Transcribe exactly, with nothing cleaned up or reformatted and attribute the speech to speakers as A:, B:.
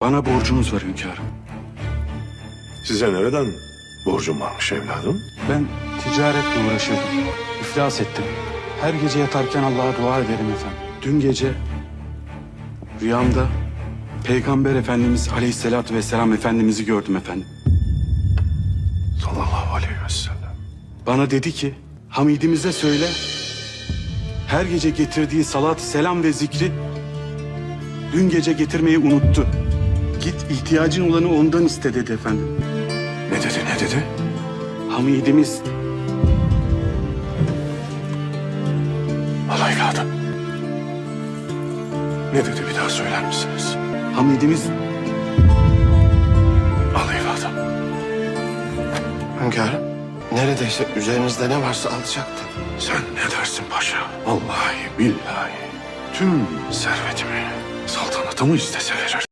A: Bana borcunuz var hünkârım.
B: Size nereden borcum varmış evladım?
A: Ben ticaretle uğraşıyordum. İflas ettim. Her gece yatarken Allah'a dua ederim efendim. Dün gece rüyamda Peygamber Efendimiz Aleyhisselatü Vesselam Efendimiz'i gördüm efendim.
B: Sallallahu aleyhi ve sellem.
A: Bana dedi ki Hamidimize söyle her gece getirdiği salat, selam ve zikri dün gece getirmeyi unuttu. Git ihtiyacın olanı ondan iste dedi efendim.
B: Ne dedi ne dedi?
A: Hamidimiz
B: Al evladım. Ne dedi bir daha söyler misiniz?
A: Hamidimiz
B: Al evladım.
C: Hünkârım, neredeyse üzerinizde ne varsa alacaktım.
B: Sen ne dersin paşa? Vallahi billahi tüm servetimi saltanatımı istese verir.